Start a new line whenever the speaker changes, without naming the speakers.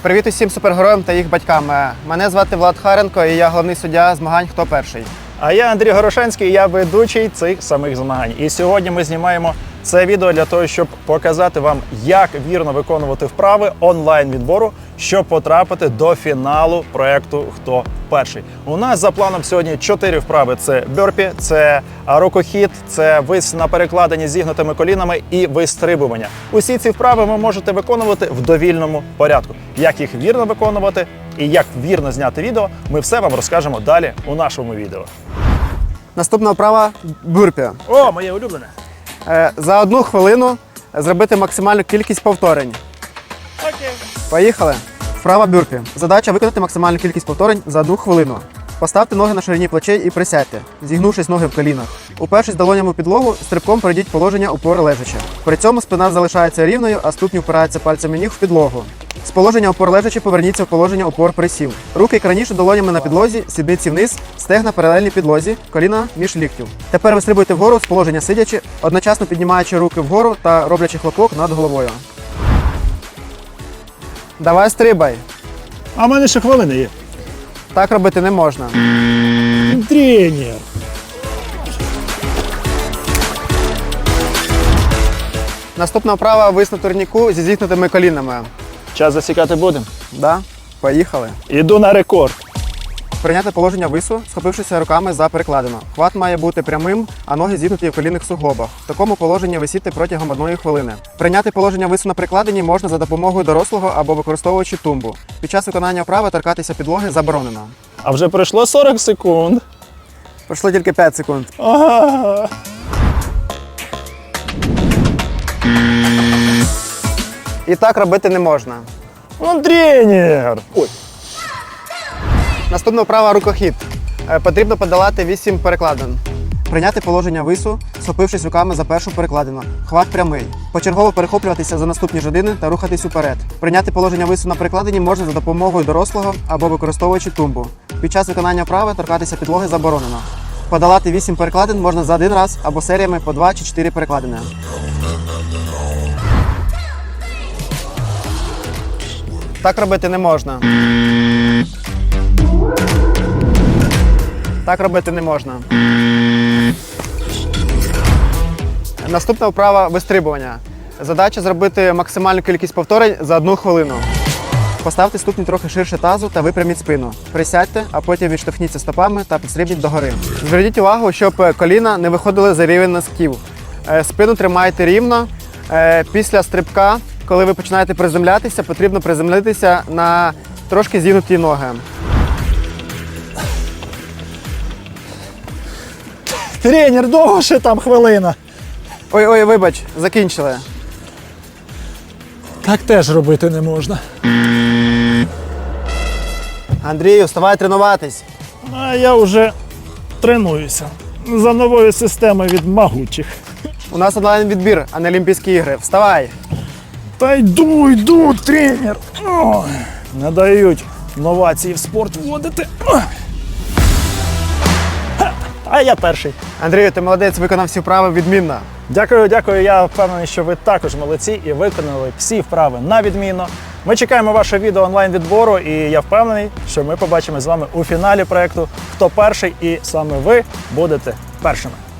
Привіт усім супергероям та їх батькам. Мене звати Влад Харенко і я головний суддя змагань «Хто перший?».
А я Андрій Горошенський, і я ведучий цих самих змагань. І сьогодні ми знімаємо це відео для того, щоб показати вам, як вірно виконувати вправи онлайн-відбору, щоб потрапити до фіналу проєкту «Хто перший?». У нас за планом сьогодні 4 вправи. Це бьорпі, це рукохід, це вис на перекладині з зігнутими колінами і вистрибування. Усі ці вправи ви можете виконувати в довільному порядку. Як їх вірно виконувати і як вірно зняти відео, ми все вам розкажемо далі у нашому відео.
Наступна вправа – бюрпі.
О, моє улюблене!
За 1 хвилину зробити максимальну кількість повторень.
Окей.
Поїхали. Вправа бюрпі. Задача виконати максимальну кількість повторень за 1 хвилину. Поставте ноги на ширині плечей і присядьте, зігнувшись ноги в колінах. Упершись долонями в підлогу, стрибком перейдіть положення опори лежачи. При цьому спина залишається рівною, а ступні впираються пальцями ніг в підлогу. З положення опор лежачи поверніться в положення опор присів. Руки як раніше долонями на підлозі, сідниці вниз, стегна паралельні підлозі, коліна між ліктів. Тепер вистрибуйте вгору з положення сидячи, одночасно піднімаючи руки вгору та роблячи хлопок над головою. Давай стрибай.
А в мене ще хвилини є.
Так робити не можна.
Тренер.
Наступна вправа – вис на турніку зі зігнутими колінами.
Час засікати будемо.
Да? Поїхали.
Іду на рекорд.
Прийняти положення вису, схопившися руками за перекладину. Хват має бути прямим, а ноги зігнуті в колінних суглобах. В такому положенні висіти протягом 1 хвилини. Прийняти положення вису на перекладині можна за допомогою дорослого або використовуючи тумбу. Під час виконання вправи торкатися підлоги заборонено.
А вже пройшло 40 секунд.
Пройшло тільки 5 секунд.
Ага.
І так робити не можна.
Тренер. Ой.
Наступна вправа – рукохід. Потрібно подолати 8 перекладин. Прийняти положення вису, схопившись руками за першу перекладину. Хват прямий. Почергово перехоплюватися за наступні жодини та рухатись уперед. Прийняти положення вису на перекладині можна за допомогою дорослого або використовуючи тумбу. Під час виконання вправи торкатися підлоги заборонено. Подолати 8 перекладин можна за 1 раз або серіями по 2 чи 4 перекладини. Так робити не можна. Так робити не можна. Наступна вправа – вистрибування. Задача зробити максимальну кількість повторень за 1 хвилину. Поставте ступні трохи ширше тазу та випряміть спину. Присядьте, а потім відштовхніться стопами та підстрибніть догори. Зверніть увагу, щоб коліна не виходили за рівень носків. Спину тримайте рівно. Після стрибка, коли ви починаєте приземлятися, потрібно приземлитися на трошки зігнуті ноги.
Тренер, довго ще там хвилина.
Ой, вибач, закінчили.
Так теж робити не можна.
Андрію, вставай тренуватись.
А я вже тренуюся. За новою системою від могучих.
У нас онлайн-відбір, а не Олімпійські ігри. Вставай!
Та йду, тренер. Ой, не дають новації в спорт вводити. А я перший.
Андрію, ти молодець, виконав всі вправи відмінно.
Дякую. Я впевнений, що ви також молодці і виконали всі вправи на відмінно. Ми чекаємо ваше відео онлайн-відбору, і я впевнений, що ми побачимо з вами у фіналі проєкту «Хто перший?» і саме ви будете першими.